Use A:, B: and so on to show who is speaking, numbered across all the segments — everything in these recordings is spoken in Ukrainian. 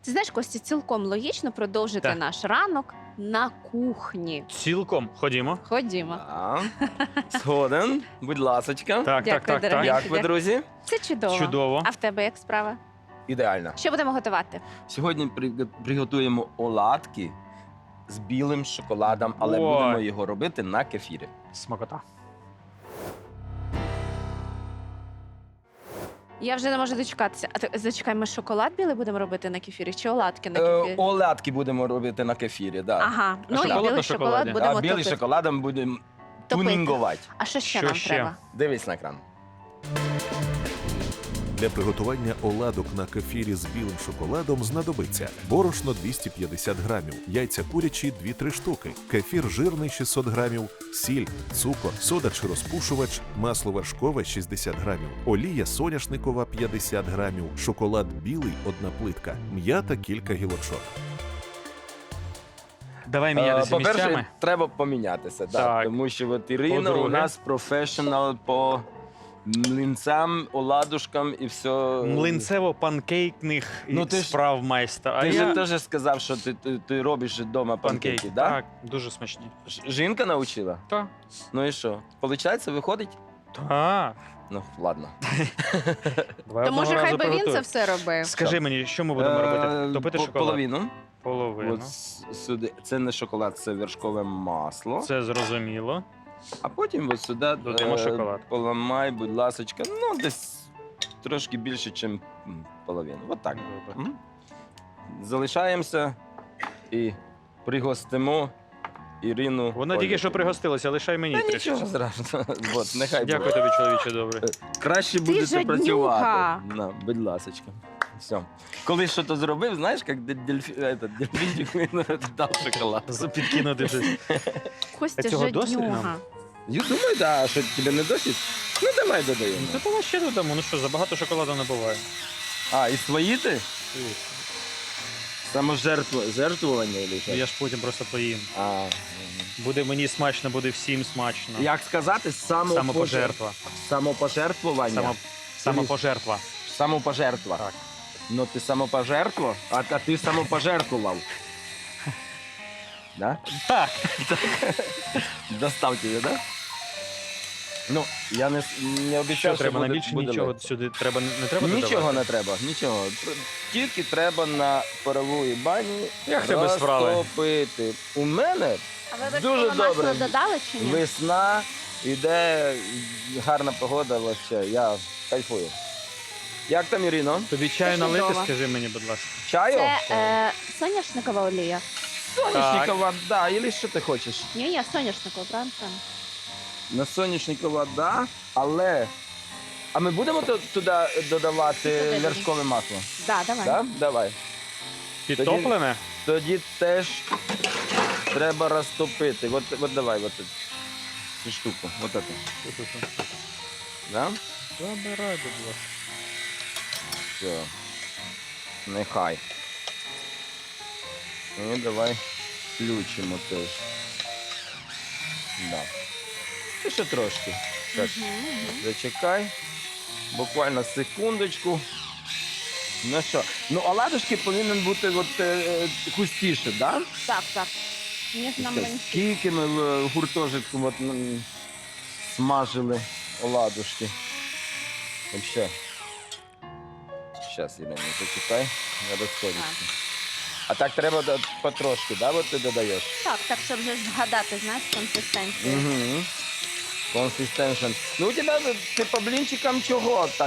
A: Ти знаєш, Костя, цілком логічно продовжити
B: Так.
A: наш ранок на кухні.
B: Цілком. Ходімо.
A: Ходімо.
C: Так. Згоден, будь ласочка.
B: Так,
A: Дякую,
B: так.
A: дорогий.
C: Як ви, друзі?
A: Це чудово.
B: Чудово.
A: А в тебе як справа?
C: Ідеально.
A: Що будемо готувати?
C: Сьогодні приготуємо оладки з білим шоколадом, але
B: Ой.
C: будемо його робити на кефірі.
B: Смакота.
A: Я вже не можу дочекатися. А ти зачекай, ми шоколад білий будемо робити на кефірі чи оладки на кефірі?
C: Оладки будемо робити на кефірі, так.
A: Ага, ну і
B: шоколад
A: білий
B: на
A: шоколад
B: шоколаді?
A: будемо
C: А білий
A: топити.
C: шоколадом будемо
A: Топити.
C: тюнінгувати.
A: А що ще
B: Що
A: нам
B: ще?
A: треба?
C: Дивись на екран.
D: Для приготування оладок на кефірі з білим шоколадом знадобиться борошно 250 грамів, яйця курячі 2-3 штуки, кефір жирний 600 грамів, сіль, цукор, сода чи розпушувач, масло вершкове 60 грамів, олія соняшникова 50 грамів, шоколад білий 1 плитка, м'ята кілька гілочок.
B: Давай мінятися
C: По-перше,
B: місцями.
C: треба помінятися,
B: Так.
C: тому що от Ірина у
B: По-друге.
C: нас професіонал по млинцям, оладушкам і все.
B: Млинцево-панкейкних
C: Ну, ти ж-
B: справ майстра. А
C: Ти
B: я...
C: ж теж сказав, що ти робиш вдома панкейки,
B: Панкейки,
C: да?
B: так, дуже смачні.
C: Жінка навчила?
B: Так.
C: Ну і що? Получається, виходить?
B: Так.
C: Ну, ладно.
B: Давай
A: То може
B: одного
A: хай
B: разу
A: би він це
B: приготуй.
A: все робив.
B: Скажи мені, що ми будемо робити? Топити шоколад?
C: Половину.
B: Половину.
C: От сюди. Це не шоколад, це вершкове масло.
B: Це зрозуміло.
C: А потім от сюди
B: Додаємо шоколад.
C: поламай, будь ласочка, ну десь трошки більше, ніж половину. От так.
B: Добре.
C: Мгм. Залишаємося і пригостимо Ірину.
B: Вона тільки що
C: Олівкою.
B: пригостилася, лишай мені
C: Та
B: трішки.
C: нічого страшного. От, нехай
B: Дякую
C: буде.
B: тобі, чоловіче, добре.
C: Краще
A: Ти
C: будете
A: жаднюга.
C: працювати. На, будь ласочка. Все. Коли щось зробив, знаєш, як дельфінчик він дав шоколад.
B: Підкинути щось.
A: Костя
B: А цього досить
A: жаднюга.
B: нам?
C: Я думаю, да, що тебе не досить? Ну давай додаємо.
B: Ну, то давай ще додамо. Ну що, забагато шоколаду не буває.
C: А, і свої ти? Саможертвування или що?
B: Ну, я ж потім просто поїм.
C: А,
B: Буде мені смачно, буде всім смачно.
C: як сказати,
B: Самопожертва.
C: Самопожертвування.
B: Самопожертва.
C: Самопожертва.
B: Так.
C: Ну ти самопожертва, а ти самопожертвував. Да?
B: Так.
C: Достав тебе, да? Ну, я не
B: Що
C: обіцяв,
B: треба?
C: буде,
B: Найбільше
C: буде
B: нічого
C: легко.
B: сюди треба, не треба
C: Нічого
B: додавати?
C: не треба, нічого. Тільки треба на паровій бані
B: Як тебе справи?
C: розтопити. У мене
A: А ви
C: Дуже
A: вершкове масло
C: добре.
A: додали чи ні?
C: весна, іде гарна погода, вообще, я кайфую. Як там, Ірино?
B: Тобі чаю
A: Це
B: налити,
A: чудово.
B: скажи мені, будь ласка.
C: Чаю?
A: Це соняшникова олія.
C: Соняшникова, да, или що ти хочеш?
A: Ні, соняшникова, правильно?
C: На соняшникова, да, але... А ми будемо туди додавати
A: Туди.
C: вершкове масло?
A: Да, давай.
C: Да? Давай.
B: Підтоплене?
C: Тоді теж треба розтопити. От давай, от цю штуку. От це. Да?
B: Забирай, будь ласка.
C: Все. Нехай. І давай включимо теж. Да. І ще трошки. Так, зачекай. Буквально секундочку. Ну що? Ну, оладушки повинен бути густіше, так? Да?
A: Так, так. Ніж нам мені.
C: Скільки ми в гуртожитку смажили оладушки. Вообще. Зараз, Ірина, зачекай, не розходиться. А так треба потрошки, да, от ти додаєш?
A: Так, щоб вже згадати, знаєш, консистенцію.
C: Угу. Консистеншн. Ну, у тебе, ти по блінчикам чого так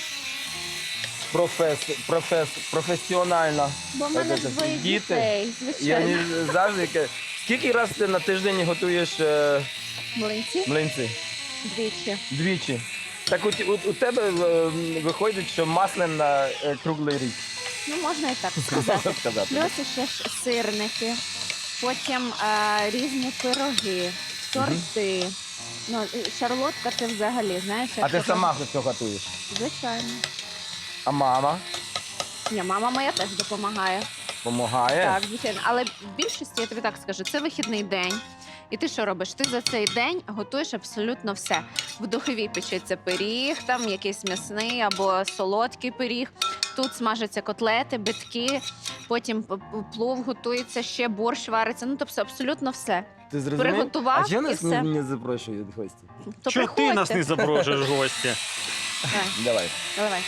C: професіонально?
A: Бо в мене
C: Діти.
A: двоє дітей,
C: Я
A: звичайно.
C: не завжди... Скільки раз ти на тиждень готуєш
A: Млинці
C: млинці?
A: двічі.
C: Двічі. Так у тебе виходить, що масляна круглий рік.
A: Ну, можна і так сказати.
C: сказати.
A: Плюс ще ж сирники, потім різні пироги, торти. Ну, шарлотка це взагалі, знаєш.
C: А
A: як
C: ти
A: це
C: сама все готуєш?
A: Звичайно.
C: А мама
A: Ні, мама моя теж допомагає.
C: допомагає?
A: Так, звичайно. Але в більшості, я тобі так скажу, це вихідний день. І ти що робиш? Ти за цей день готуєш абсолютно все. В духовій печеться пиріг, там якийсь м'ясний або солодкий пиріг. Тут смажаться котлети, битки. потім плов готується, ще борщ вариться. Ну, тобто абсолютно все.
C: Ти зрозумів?
A: Приготував
C: А чого
A: і
C: нас
A: все.
C: не запрошують гості?
A: То
B: Чого ти нас
A: приходьте.
B: не запрошуєш в гості?
C: Давай.
A: Давай.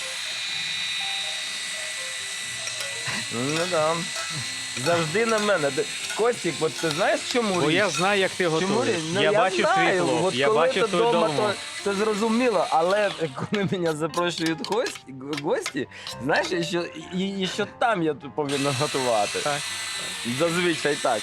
C: Ну да. Завжди на мене. Костік, от ти знаєш, чому
B: Бо
C: річ?
B: я знаю, як ти
C: Чому
B: готуєш.
C: річ? Ну,
B: Я бачив твій
C: знаю.
B: плов,
C: От
B: я
C: коли
B: бачив
C: ти
B: твою
C: дома,
B: дому.
C: то зрозуміло, але коли мене запрошують гості, знаєш, і що там я тут повинен готувати.
B: Так.
C: Зазвичай так.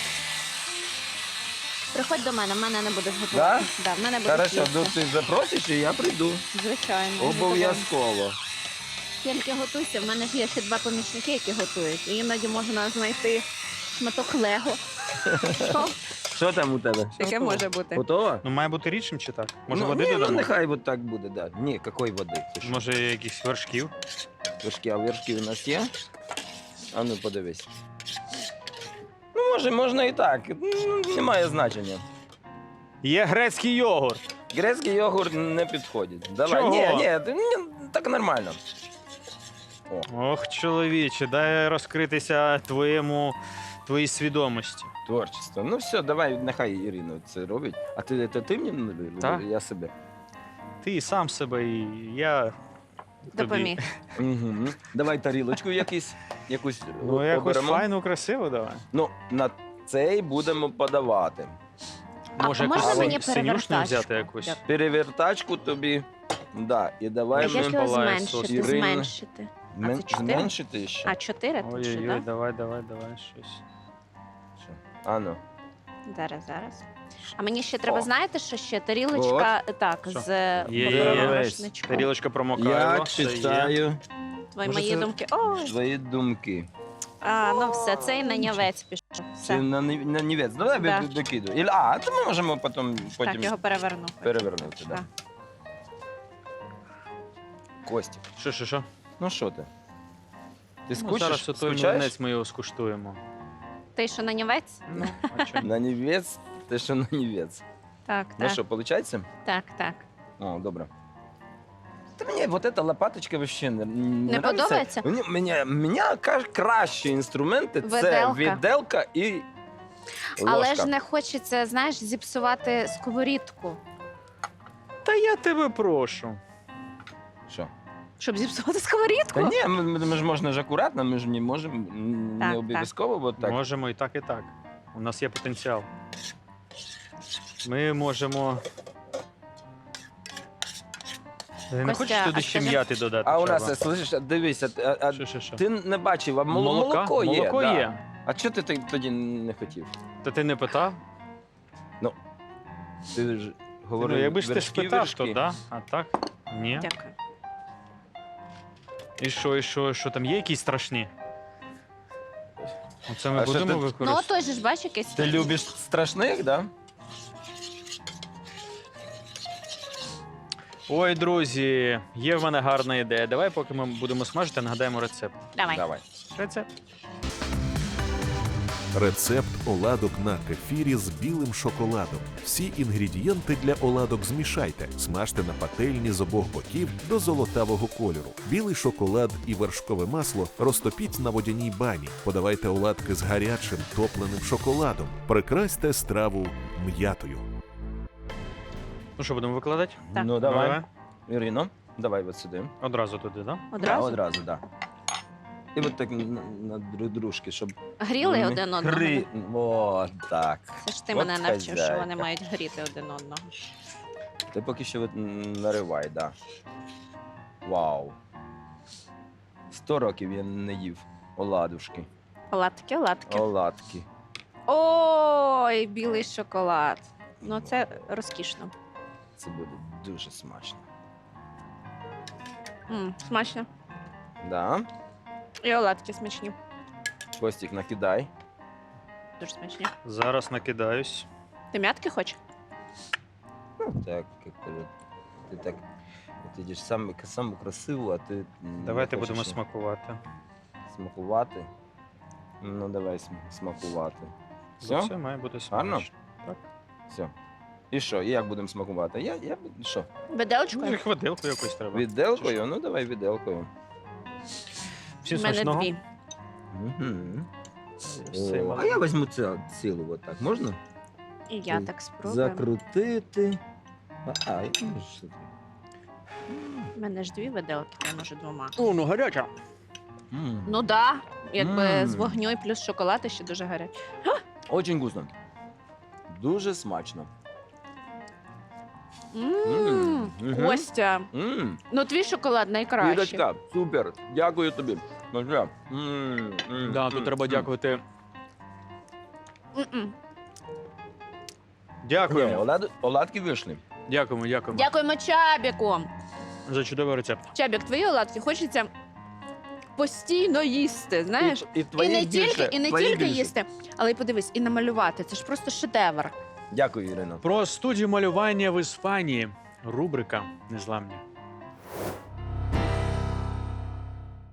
A: Приходь до мене, в мене не будеш готувати. Да, в мене буде
C: Хорошо, ну
A: їсти.
C: ти запросиш, і я прийду.
A: Звичайно.
C: Обов'язково.
A: Тільки готуйся, в мене ж є ще 2 помічники, які готують. І іноді можна знайти шматок лего. Що?
C: Що там у тебе?
A: Таке може бути.
C: Готово?
B: Ну, має бути рідшим чи так? Може,
C: ну,
B: води
C: ні, ну
B: додамо?
C: нехай от так буде, да. Ні, якої води? Ти що?
B: Може, якихось вершків?
C: Вершки, а вершки у нас є? А ну подивись. Ну, може, можна і так. Ну, немає значення.
B: Є грецький йогурт.
C: Грецький йогурт не підходить. Давай.
B: Чого?
C: Ні, так нормально.
B: Ох, чоловіче, дай розкритися твоїй свідомості.
C: Творчество. Ну все, давай, нехай Ірина це робить. А ти мені?
B: Так.
C: Я себе.
B: Ти сам себе і я тобі.
A: Допоміг.
C: Угу. Давай тарілочку якусь
B: Ну, якось
C: оберемо.
B: файну, красиву давай.
C: Ну, на цей будемо подавати.
A: А
B: Може,
A: можна
B: якусь
A: мені
B: синюшну
A: перевертачку?
B: взяти якусь?
A: Так.
C: Перевертачку тобі. Да, і давай
A: А
B: Може,
A: як
B: ми
A: його
B: палає
A: зменшити?
C: сос. Ірина.
A: Зменшити. А це 4?
C: Зменшити ще.
A: А, 4 тут ще,
B: Ой-ой-ой,
A: так?
B: давай щось.
C: Що? А ну.
A: Зараз. А мені ще треба,
C: О.
A: знаєте, що ще? Тарілочка, так,
B: Що?
A: з
B: Є.
A: борошничком.
B: Тарілочка промокає.
C: Я читаю
A: Твої
B: Може,
A: мої
B: це-
A: думки. Ой,
C: твої думки.
A: ну все, цей нанявець пішов.
C: Це
A: Все.
C: на нівець. Ну, давай
A: Да.
C: докидуй. То ми можемо потім
A: Так, його переверну.
C: перевернути. Да.
A: Так.
C: Костік,
B: Що?
C: ну що ти? Ти
B: Ну, зараз
C: скучиш?
B: отой
C: Скучаєш?
B: млинець ми його скуштуємо.
A: Ти що, нанявець?
B: Ну, а чому?
C: На нівець? Ти що на нівець?
A: Так,
C: Ну
A: так.
C: що, виходить?
A: Так.
C: О, добре. Та мені вот эта лопаточка вообще не
A: Не подобається?
C: Мені кращі інструменти це
A: Виделка.
C: віделка і ложка.
A: Але ж не хочеться, знаєш, зіпсувати сковорідку.
B: Та я тебе прошу.
C: Що?
A: Щоб зіпсувати сковорідку?
C: Та ні, ми ж можна ж акуратно, ми ж не можемо,
A: Так,
C: не обов'язково, бо так.
B: Можемо і так, і так. У нас є потенціал. Ми можемо. Не
A: Костя,
B: хочеш туди
A: а
B: ще
A: скажи-
B: м'яти додати?
C: А у
B: Чаба?
C: нас, слышиш, дивися,
B: Що?
C: ти не бачив, а
B: Молока?
C: молоко є.
B: є.
C: Да. А чого ти тоді не хотів?
B: Та ти не питав?
C: Ти ж говорив,
B: Ну, якби ж ти ж
C: вершки,
B: питав,
C: вершки.
B: то да. А так? Ні.
A: Дякую.
B: І що там є якісь страшні? Оце ми
C: А що
B: будемо
C: ти-
A: Ну,
B: використовувати.
A: той же ж бач якийсь.
C: Ти любиш страшних, да?
B: Ой, друзі, є в мене гарна ідея. Давай, поки ми будемо смажити, нагадаємо рецепт.
A: Давай.
C: Давай.
B: Рецепт.
D: Рецепт оладок на кефірі з білим шоколадом. Всі інгредієнти для оладок змішайте. Смажте на пательні з обох боків до золотавого кольору. Білий шоколад і вершкове масло розтопіть на водяній бані. Подавайте оладки з гарячим топленим шоколадом. Прикрасьте страву м'ятою.
B: Ну що, будемо викладати?
A: Так.
C: Ну, давай. Ірино, давай от сюди.
B: Одразу туди, так? Да?
A: Одразу?
C: Да, одразу, да. І от так на дружки, щоб...
A: Гріли
C: вони
A: один одного.
C: О, так.
A: Це ж ти
C: От
A: мене навчив, що
C: хазяйка.
A: вони мають гріти один одного.
C: Ти поки що от наривай, да. Вау. 100 років я не їв оладушки.
A: Оладки.
C: Оладки.
A: Ой, білий шоколад. Ну, це розкішно.
C: Це буде дуже смачно.
A: Смачно.
C: Да.
A: І оладки смачні.
C: Костік, накидай.
A: Дуже смачні.
B: Зараз накидаюсь.
A: Ти м'ятки хочеш?
C: Ну, так, як-то от, ти так... Ти йдеш саме красиво, а ти... не
B: Давайте
C: хочеш
B: будемо смакувати.
C: смакувати. Ну, давай смакувати.
B: Все?
C: Все?
B: Все має бути
C: Гарно?
B: смачно. Так.
C: Все. І що? І як будемо смакувати? Що?
B: Ну,
A: Виделочкою?
B: і хватилку якусь треба.
C: Віделкою? Ну, давай віделкою.
B: Всім
A: У мене
B: смачного.
A: 2.
C: Мгм.
B: Все,
C: О, а я візьму цілу, от так. Можна?
A: І я так спробую.
C: Закрутити. Що ти?
A: У мене ж 2 виделки, я може 2.
B: О, ну гаряча.
C: М.
A: Ну да, якби
C: Мм.
A: з вогню і плюс шоколад, і ще дуже гарячий.
C: Очень вкусно. Дуже смачно. Мгм.
A: Костя,
C: М.
A: ну твій шоколад найкращий.
C: Ірочка, супер. Дякую тобі. Дуже.
B: Да, тут треба дякувати.
A: М-м.
B: Дякуємо.
C: Оладки вийшли.
B: Дякуємо
A: Дякуємо Чабіку.
B: за чудовий рецепт.
A: Чабік, твої оладки хочеться постійно їсти, знаєш?
C: І
A: І не
C: більше,
A: тільки,
C: твої більше.
A: їсти, але й подивись, і намалювати. Це ж просто шедевр.
C: Дякую, Ірино.
B: Про студію малювання в Іспанії. Рубрика Незламні.